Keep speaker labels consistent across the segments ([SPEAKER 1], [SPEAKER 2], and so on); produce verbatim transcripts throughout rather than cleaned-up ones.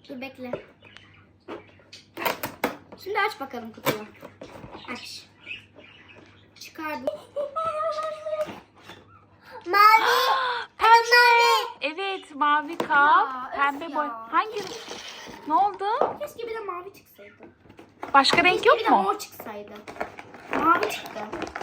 [SPEAKER 1] Dur bekle. Şimdi aç bakalım kutuyu. Aç. Çıkardım.
[SPEAKER 2] Mavi.
[SPEAKER 3] Pembe. Evet, mavi kap.
[SPEAKER 1] Ya,
[SPEAKER 3] Pembe
[SPEAKER 1] öf
[SPEAKER 3] boy.
[SPEAKER 1] ya.
[SPEAKER 3] Hangi? Ne oldu?
[SPEAKER 1] Keşke bir de mavi çıksaydı.
[SPEAKER 3] Başka renk
[SPEAKER 1] Keşke
[SPEAKER 3] yok
[SPEAKER 1] bir de
[SPEAKER 3] mu?
[SPEAKER 1] mor çıksaydı. Mavi çıktı.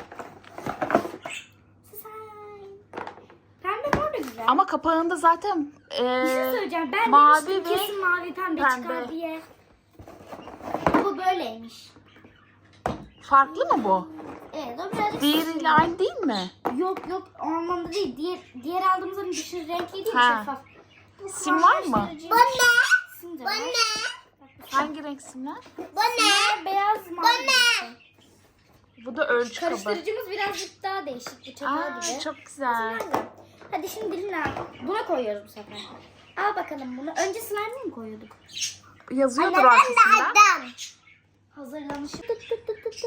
[SPEAKER 1] Pembe mor da güzel.
[SPEAKER 3] Ama kapağında zaten
[SPEAKER 1] Bir şey
[SPEAKER 3] eee
[SPEAKER 1] söyleyeceğim. Ben
[SPEAKER 3] mavi
[SPEAKER 1] demiştim
[SPEAKER 3] ve
[SPEAKER 1] kesin mavi pembe,
[SPEAKER 3] pembe.
[SPEAKER 1] çıkar diye. Bu böyleymiş.
[SPEAKER 3] farklı mı bu?
[SPEAKER 1] Evet o birazcık...
[SPEAKER 3] Diğeriyle aynı değil mi?
[SPEAKER 1] Yok yok o anlamda değil. Diğer, diğer aldığımızın dışı renkli değil,
[SPEAKER 3] Ha.
[SPEAKER 1] şeffaf. Bu
[SPEAKER 3] Sim var mı?
[SPEAKER 1] karıştırıcı-
[SPEAKER 2] Bu ne?
[SPEAKER 1] Sim de
[SPEAKER 2] Bu
[SPEAKER 1] var.
[SPEAKER 2] ne?
[SPEAKER 3] Hangi renk simler?
[SPEAKER 2] Bu ne?
[SPEAKER 1] Simler beyaz mavi.
[SPEAKER 2] ne?
[SPEAKER 3] Bu da ölçü kabı.
[SPEAKER 1] Karıştırıcımız birazcık daha değişik. Bu çatal
[SPEAKER 3] Aa,
[SPEAKER 1] gibi.
[SPEAKER 3] çok güzel.
[SPEAKER 1] Güzel. Hadi şimdi Lina buna koyuyoruz bu sefer. Al bakalım bunu. Önce slime'ı mı koyuyorduk?
[SPEAKER 3] Yazıyordur
[SPEAKER 2] Anne ben de
[SPEAKER 3] arkasında.
[SPEAKER 2] adam.
[SPEAKER 1] Hazırlanmış. Tık tık tık tık tık.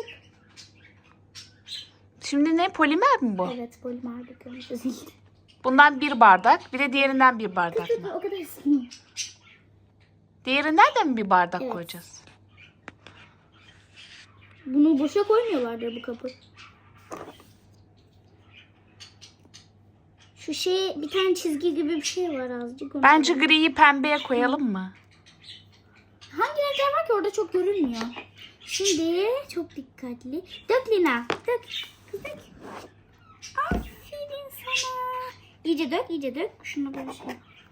[SPEAKER 3] Şimdi ne? Polimer mi bu?
[SPEAKER 1] Evet polimer döküyoruz.
[SPEAKER 3] Bundan bir bardak. Bir de diğerinden bir bardak mı?
[SPEAKER 1] O kadar ısınıyor.
[SPEAKER 3] Diğerinden de mi bir bardak
[SPEAKER 1] Evet.
[SPEAKER 3] koyacağız?
[SPEAKER 1] Bunu boşa koymuyorlardır bu kapı. Şu şey bir tane çizgi gibi bir şey var azıcık. Onu
[SPEAKER 3] Bence
[SPEAKER 1] koyalım.
[SPEAKER 3] griyi pembeye koyalım mı?
[SPEAKER 1] Hangi renkler var ki orada çok görünmüyor. Şimdi çok dikkatli. Dök Lina. Dök. Kız dök. Aferin sana. İyice dök, iyice dök. Şunu böyle şey.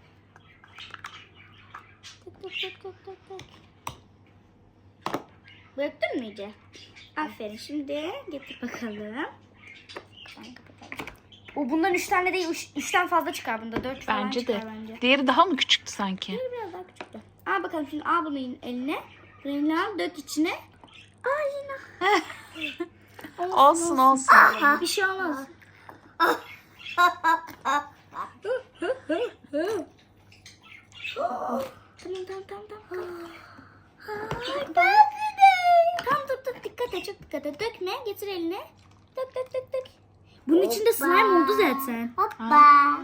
[SPEAKER 1] Dök, dök, dök, dök, dök, dök. Döktün mü iyice? Aferin. Şimdi getir bakalım. O bundan üç tane değil, üç, üçten fazla çıkar bunda. Dört falan
[SPEAKER 3] Bence
[SPEAKER 1] çıkar
[SPEAKER 3] de.
[SPEAKER 1] bence.
[SPEAKER 3] Diğeri daha mı küçüktü sanki?
[SPEAKER 1] Biraz daha küçüktü. Al bakalım şimdi al bunu eline. Rengi al dök içine. Aa yine.
[SPEAKER 3] Olsun olsun.
[SPEAKER 1] Bir şey olmaz. Tamam tamam tamam tamam. Tamam dur dur dikkat et çok dikkat et. Dökme getir eline. Dök dök dök dök. Bunun içinde slime oldu zaten.
[SPEAKER 2] Hoppa.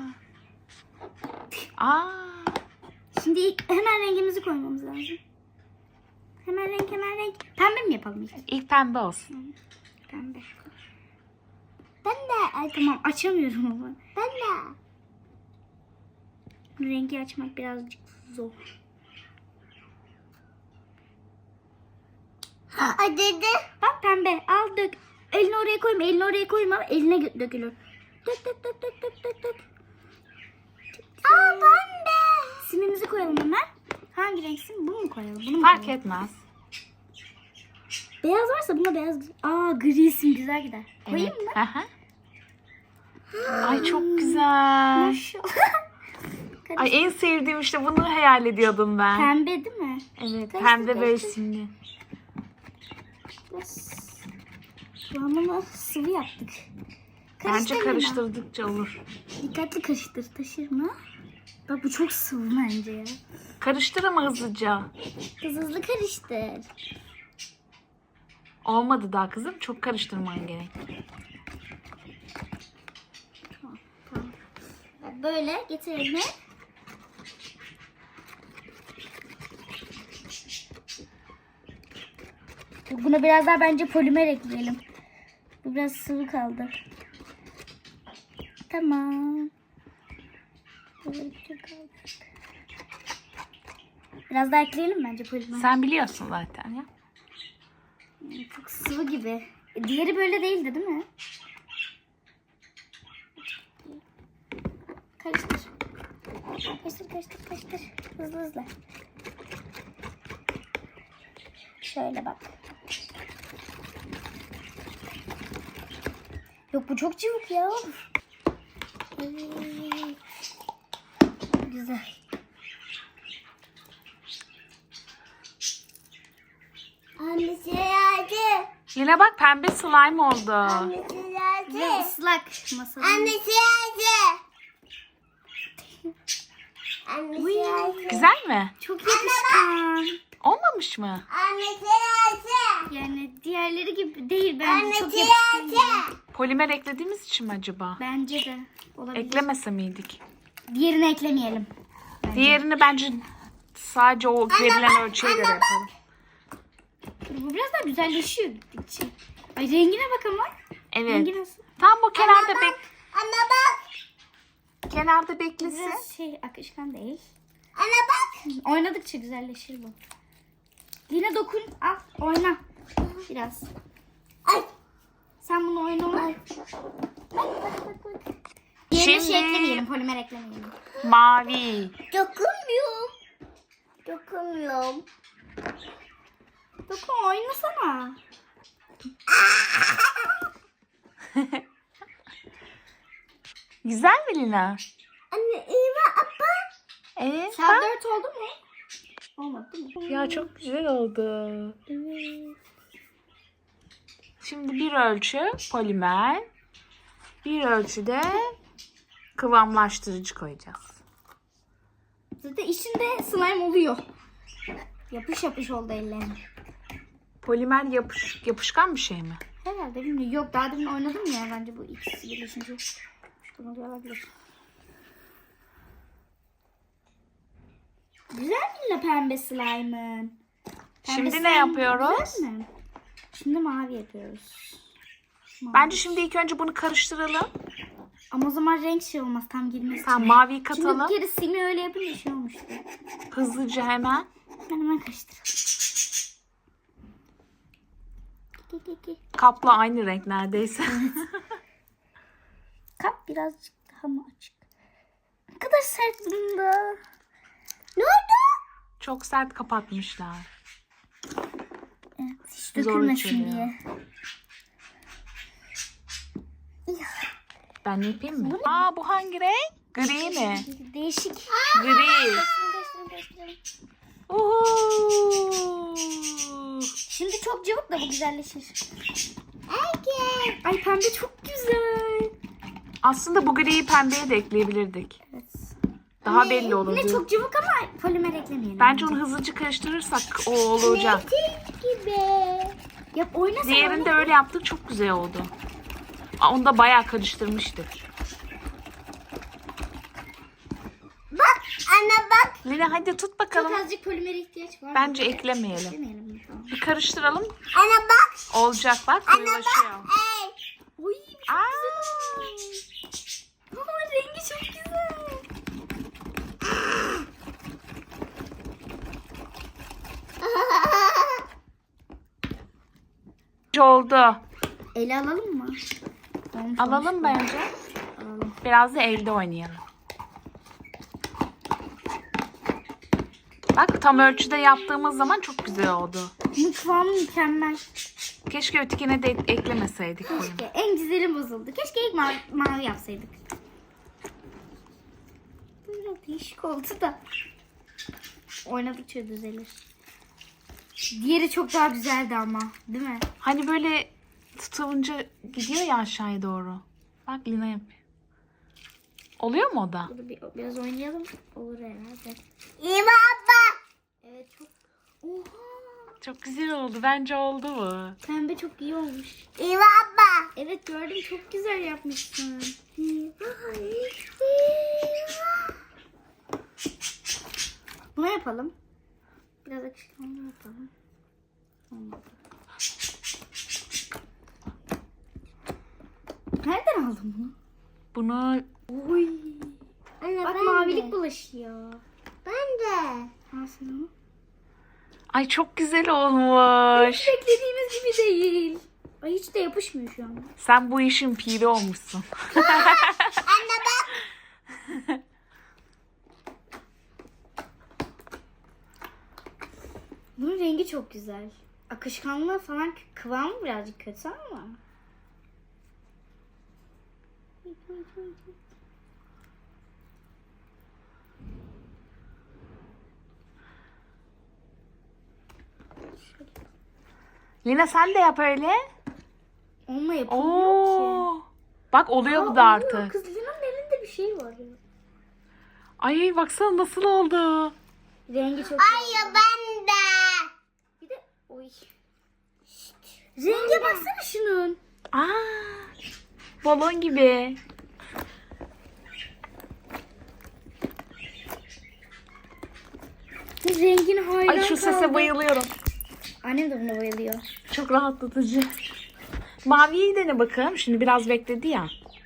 [SPEAKER 3] Aa,
[SPEAKER 1] Şimdi ilk hemen rengimizi koymamız lazım. Hemen renk hemen renk. Pembe mi yapalım ilk?
[SPEAKER 3] ilk pembe olsun.
[SPEAKER 1] Pembe. Ben de. Ay tamam açamıyorum ama.
[SPEAKER 2] Ben de.
[SPEAKER 1] Rengi açmak birazcık zor.
[SPEAKER 2] Hadi de.
[SPEAKER 1] Bak pembe al dök. Elini oraya koyma elini oraya koyma. Eline gö- dökülür. Dök dök dök dök dök dök dök.
[SPEAKER 2] Aa pembe.
[SPEAKER 1] Simimizi koyalım hemen. Hangi renk sim? Bunu mu koyalım? Bunu mu
[SPEAKER 3] Fark
[SPEAKER 1] koyalım?
[SPEAKER 3] etmez.
[SPEAKER 1] Beyaz varsa buna beyaz. Aa gri sim güzel gider. Koyayım
[SPEAKER 3] Evet.
[SPEAKER 1] mı?
[SPEAKER 3] Hı hı. Ay çok güzel.
[SPEAKER 1] Maşallah.
[SPEAKER 3] Ay en sevdiğim işte bunu hayal ediyordum ben.
[SPEAKER 1] Pembe değil mi?
[SPEAKER 3] Evet,
[SPEAKER 1] Karıştır,
[SPEAKER 3] pembe böyle
[SPEAKER 1] karıştır.
[SPEAKER 3] simli.
[SPEAKER 1] Şu an bunu sıvı yaptık.
[SPEAKER 3] Bence
[SPEAKER 1] Karıştır Lina.
[SPEAKER 3] karıştırdıkça olur.
[SPEAKER 1] Dikkatli karıştır. Taşır mı? Bak bu çok sıvı bence ya.
[SPEAKER 3] Karıştır ama hızlıca.
[SPEAKER 1] Kız hızlı karıştır.
[SPEAKER 3] Olmadı daha kızım. Çok karıştırman gerek.
[SPEAKER 1] Bak böyle getir elini. Buna biraz daha bence polimer ekleyelim. Bu biraz sıvı kaldı. Tamam. Biraz daha ekleyelim bence polimer.
[SPEAKER 3] Sen biliyorsun zaten ya.
[SPEAKER 1] Çok sıvı gibi. E, Diğeri böyle değildi değil mi? Karıştır. Karıştır, karıştır, karıştır. Hızlı hızlı. Şöyle bak. Yok bu çok cıvık ya. Evet. Güzel.
[SPEAKER 2] Annesi geldi.
[SPEAKER 3] Yine bak pembe slime oldu.
[SPEAKER 2] Annesi
[SPEAKER 1] Ve
[SPEAKER 2] geldi.
[SPEAKER 1] ıslak masanın.
[SPEAKER 2] Annesi geldi. Annesi
[SPEAKER 1] Uy.
[SPEAKER 2] geldi.
[SPEAKER 3] Güzel mi?
[SPEAKER 1] Çok yapışkan.
[SPEAKER 3] Olmamış mı?
[SPEAKER 2] Annesi geldi.
[SPEAKER 1] Yani diğerleri gibi değil bence.
[SPEAKER 2] Annesi
[SPEAKER 1] Çok yapışkan.
[SPEAKER 2] geldi.
[SPEAKER 1] yani.
[SPEAKER 3] Polimer eklediğimiz için mi acaba?
[SPEAKER 1] Bence de olabilir.
[SPEAKER 3] Eklemese miydik?
[SPEAKER 1] Diğerini eklemeyelim.
[SPEAKER 3] Diğerini bence Sadece o verilen ölçüye göre yapalım.
[SPEAKER 1] Bu biraz daha güzelleşiyor gittikçe. Ay rengine bak ama.
[SPEAKER 3] Evet.
[SPEAKER 1] Rengi nasıl?
[SPEAKER 3] Tam bu kenarda bek
[SPEAKER 2] Anne bak.
[SPEAKER 3] kenarda beklesin.
[SPEAKER 1] Biraz şey akışkan değil.
[SPEAKER 2] Anne bak.
[SPEAKER 1] Oynadıkça güzelleşir bu. Yine dokun. Al oyna. Biraz.
[SPEAKER 2] Ay.
[SPEAKER 1] Sen bunu oyna. Bak bak bak bak. Yerine
[SPEAKER 3] Şimdi-
[SPEAKER 1] şey eklemeyelim. Polimer eklemeyelim.
[SPEAKER 3] Mavi.
[SPEAKER 2] Dokunmuyorum. Dokunmuyorum.
[SPEAKER 1] Dokun oynasana.
[SPEAKER 3] Güzel mi Lina?
[SPEAKER 2] Anne iyi mi abla?
[SPEAKER 3] Evet.
[SPEAKER 1] Saat
[SPEAKER 3] bak.
[SPEAKER 1] dört oldu mu? Olmadı değil mi?
[SPEAKER 3] Ya çok güzel oldu.
[SPEAKER 1] Evet.
[SPEAKER 3] Şimdi bir ölçü polimer, bir ölçüde kıvamlaştırıcı koyacağız.
[SPEAKER 1] Zaten içinde slime oluyor. Yapış yapış oldu ellerim.
[SPEAKER 3] Polimer yapış, yapışkan bir şey mi?
[SPEAKER 1] Herhalde bilmiyorum. Yok daha demin oynadım ya bence bu ikisi birleşince. Şuradan oluyor olabilir. Güzel mi la pembe slime'ın? Pembe
[SPEAKER 3] Şimdi
[SPEAKER 1] slime
[SPEAKER 3] ne yapıyoruz?
[SPEAKER 1] güzel mi? Şimdi mavi yapıyoruz. Mavi.
[SPEAKER 3] Bence şimdi ilk önce bunu karıştıralım.
[SPEAKER 1] Ama o zaman renk şey olmaz tam girmesi
[SPEAKER 3] Tamam,
[SPEAKER 1] için.
[SPEAKER 3] maviyi
[SPEAKER 1] Şimdi
[SPEAKER 3] katalım.
[SPEAKER 1] bir kere simi öyle yapınca şey olmuştu.
[SPEAKER 3] Hızlıca hemen.
[SPEAKER 1] Ben hemen karıştırayım. Ki, ki, ki.
[SPEAKER 3] Kapla aynı renk neredeyse.
[SPEAKER 1] Kap birazcık daha mı açık? Ne kadar sert bunda.
[SPEAKER 2] Ne oldu?
[SPEAKER 3] Çok sert kapatmışlar.
[SPEAKER 1] Evet, hiç
[SPEAKER 3] Zor
[SPEAKER 1] dökülmesin
[SPEAKER 3] açılıyor.
[SPEAKER 1] diye.
[SPEAKER 3] Ben ne yapayım mı? Aa, bu hangi renk? Gri mi?
[SPEAKER 1] Değişik.
[SPEAKER 3] Gri.
[SPEAKER 1] Değiştirelim, değiştirelim.
[SPEAKER 3] Uhu.
[SPEAKER 1] Şimdi çok cıvık da bu güzelleşir.
[SPEAKER 2] Erkek.
[SPEAKER 1] Ay pembe çok güzel.
[SPEAKER 3] Aslında bu griyi pembeye de ekleyebilirdik.
[SPEAKER 1] Evet.
[SPEAKER 3] Daha belli olurdu.
[SPEAKER 1] Yine çok cıvık ama polimer eklemeyelim.
[SPEAKER 3] Bence onu hızlıca karıştırırsak o olacak.
[SPEAKER 2] Gibi.
[SPEAKER 1] Yap oynasana.
[SPEAKER 3] Diğerinde öyle yaptık, çok güzel oldu. Aa, onu da bayağı karıştırmıştık.
[SPEAKER 2] Bak anne bak.
[SPEAKER 3] Lina hadi tut
[SPEAKER 1] Çok
[SPEAKER 3] bakalım.
[SPEAKER 1] azıcık polimer ihtiyaç var.
[SPEAKER 3] Bence eklemeyelim.
[SPEAKER 1] Eklemeyelim bunu şu an.
[SPEAKER 3] Bir karıştıralım.
[SPEAKER 2] Anne bak.
[SPEAKER 3] Olacak bak,
[SPEAKER 2] Anne
[SPEAKER 3] koyulaşıyor.
[SPEAKER 2] bak. Ey.
[SPEAKER 1] Oy çok
[SPEAKER 3] Aa,
[SPEAKER 1] Ama rengi çok güzel.
[SPEAKER 3] oldu.
[SPEAKER 1] Ele alalım mı? Olmuş,
[SPEAKER 3] Alalım
[SPEAKER 1] olmuş.
[SPEAKER 3] bence.
[SPEAKER 1] Alalım.
[SPEAKER 3] Biraz da elde oynayalım. Bak, tam ölçüde yaptığımız zaman çok güzel oldu.
[SPEAKER 1] Bunun kıvamı mükemmel.
[SPEAKER 3] Keşke ötekine de eklemeseydik bunu.
[SPEAKER 1] Keşke. En güzeli bozuldu. Keşke ilk mavi, mavi yapsaydık. Bu biraz değişik oldu da. Oynadıkça düzelir. Diğeri çok daha güzeldi ama. Değil mi?
[SPEAKER 3] Hani böyle tutulunca gidiyor ya aşağıya doğru. Bak Lina yapıyor. Oluyor mu o da?
[SPEAKER 1] Bunu bir, biraz oynayalım. Olur herhalde.
[SPEAKER 2] İyi mi abla?
[SPEAKER 1] Evet çok. Oha.
[SPEAKER 3] Çok güzel oldu. Bence oldu mu?
[SPEAKER 1] Pembe çok iyi olmuş.
[SPEAKER 2] İyi mi abla?
[SPEAKER 1] Evet gördüm çok güzel yapmışsın. Bunu yapalım. Biraz akışkanlı yapalım. Olmadı. Nereden aldın bunu?
[SPEAKER 3] Bunu
[SPEAKER 1] Oy.
[SPEAKER 2] Anne
[SPEAKER 1] Bak
[SPEAKER 2] ben
[SPEAKER 1] mavilik
[SPEAKER 2] de.
[SPEAKER 1] bulaşıyor.
[SPEAKER 2] Ben de.
[SPEAKER 1] Al sana.
[SPEAKER 3] ay çok güzel olmuş.
[SPEAKER 1] Hiç beklediğimiz gibi değil. Ay hiç de yapışmıyor şu an.
[SPEAKER 3] Sen bu işin piri olmuşsun.
[SPEAKER 2] Anne bak.
[SPEAKER 1] Bunun rengi çok güzel. Akışkanlığı falan kıvamı birazcık kötü ama.
[SPEAKER 3] Lina sen de yap öyle.
[SPEAKER 1] Onunla yapılmıyor ki.
[SPEAKER 3] Oo. Bak oluyor
[SPEAKER 1] Aa,
[SPEAKER 3] bu da
[SPEAKER 1] oluyor.
[SPEAKER 3] artık.
[SPEAKER 1] Kız Lina'nın elinde bir şey var ya.
[SPEAKER 3] Ay baksana nasıl oldu.
[SPEAKER 1] Rengi çok
[SPEAKER 2] Hayır ben de.
[SPEAKER 1] Bir de oy. Şşt. Renge baksana şunun.
[SPEAKER 3] Aa, balon gibi.
[SPEAKER 1] Rengin hayran
[SPEAKER 3] Ay şu sese
[SPEAKER 1] kaldım.
[SPEAKER 3] bayılıyorum.
[SPEAKER 1] Annem de buna bayılıyor.
[SPEAKER 3] Çok rahatlatıcı. Maviyi dene bakalım. Şimdi biraz bekledi ya.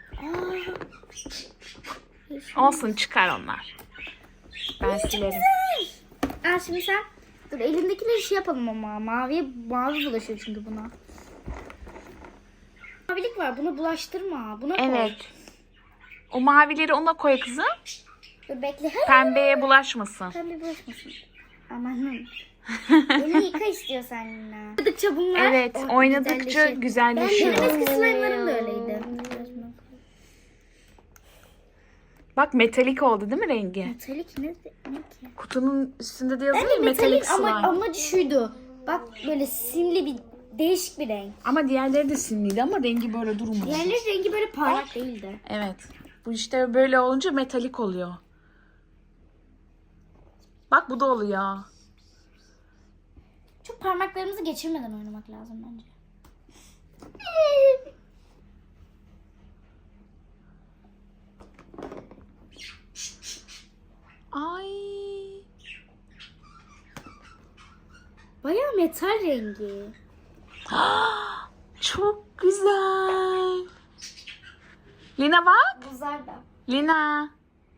[SPEAKER 1] Aa,
[SPEAKER 3] Olsun çıkar onlar. Ben silerim.
[SPEAKER 1] Aa, şimdi sen dur elindekileri şey yapalım ama maviye mavi bulaşıyor çünkü buna. Mavilik var, bunu bulaştırma. Buna koy.
[SPEAKER 3] Evet. O mavileri ona koy kızım.
[SPEAKER 1] Dur bekle. Hayır.
[SPEAKER 3] Pembeye bulaşmasın.
[SPEAKER 1] Pembe bulaşmasın. Amanın. Elini yıka istiyorsan Lina. Oynadıkça bunlar
[SPEAKER 3] Evet,
[SPEAKER 1] oh,
[SPEAKER 3] oynadıkça
[SPEAKER 1] güzelleşir.
[SPEAKER 3] güzelleşiyor.
[SPEAKER 1] Benim eski slime'larım da öyleydi.
[SPEAKER 3] Bak metalik oldu değil mi rengi?
[SPEAKER 1] Metalik ne, ne ki?
[SPEAKER 3] Kutunun üstünde de yazıyor
[SPEAKER 1] Bence
[SPEAKER 3] ya metalik
[SPEAKER 1] metalik
[SPEAKER 3] slime.
[SPEAKER 1] ama
[SPEAKER 3] Ama,
[SPEAKER 1] amacı şuydu. Bak böyle simli bir değişik bir renk.
[SPEAKER 3] diğerleri de simliydi ama rengi böyle durmuyor.
[SPEAKER 1] Diğerleri rengi böyle parlak değildi.
[SPEAKER 3] Evet. Bu işte böyle olunca metalik oluyor. Bak bu da oluyor.
[SPEAKER 1] Çok parmaklarımızı geçirmeden oynamak lazım bence.
[SPEAKER 3] Ay.
[SPEAKER 1] Bayağı metal rengi.
[SPEAKER 3] Çok güzel. Lina bak.
[SPEAKER 1] Buzlar da.
[SPEAKER 3] Lina.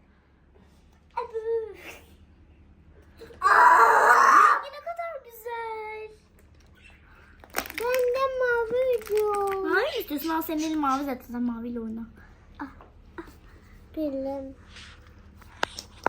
[SPEAKER 1] Rengi ne kadar güzel.
[SPEAKER 2] Ben de mavi diyorum.
[SPEAKER 1] Mavi istiyorsun, al senin elin mavi zaten, sen maviyle oyna.
[SPEAKER 2] Bilim.